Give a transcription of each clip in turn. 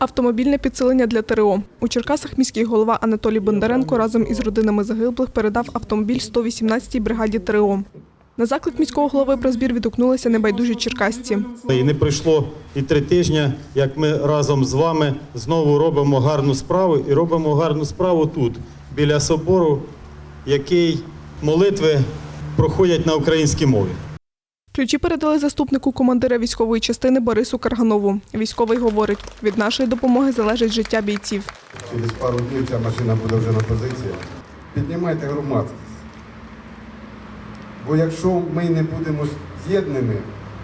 Автомобільне підсилення для ТрО. У Черкасах міський голова Анатолій Бондаренко разом із родинами загиблих передав автомобіль 118-й бригаді ТрО. На заклик міського голови про збір відгукнулися небайдужі черкасці. І не пройшло і 3 тижні, як ми разом з вами знову робимо гарну справу. І робимо гарну справу тут, біля собору, який молитви проходять на українській мові. Ключі передали заступнику командира військової частини Борису Карганову. Військовий говорить, від нашої допомоги залежить життя бійців. Через пару днів ця машина буде вже на позиції. Піднімайте громадськість. Бо якщо ми не будемо з'єднані,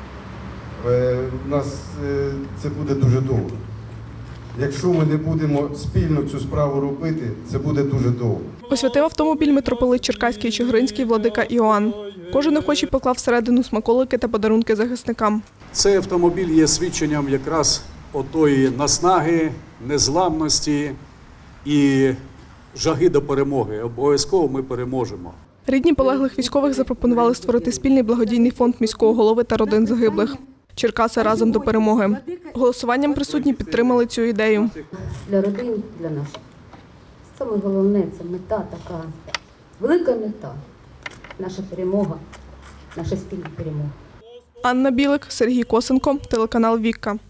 у нас це буде дуже довго. Якщо ми не будемо спільно цю справу робити, це буде дуже довго. Освятив автомобіль митрополит Черкаський і Чигиринський владика Іоанн. Кожен охочий поклав всередину смаколики та подарунки захисникам. Цей автомобіль є свідченням якраз отої наснаги, незламності і жаги до перемоги. Обов'язково ми переможемо. Рідні полеглих військових запропонували створити спільний благодійний фонд міського голови та родин загиблих. Черкаси разом до перемоги. Голосуванням присутні підтримали цю ідею. Для родин, для наших. Саме головне – це мета така, велика мета. Наша перемога, наша спільна перемога. Анна Білик, Сергій Косенко, телеканал «Вікка».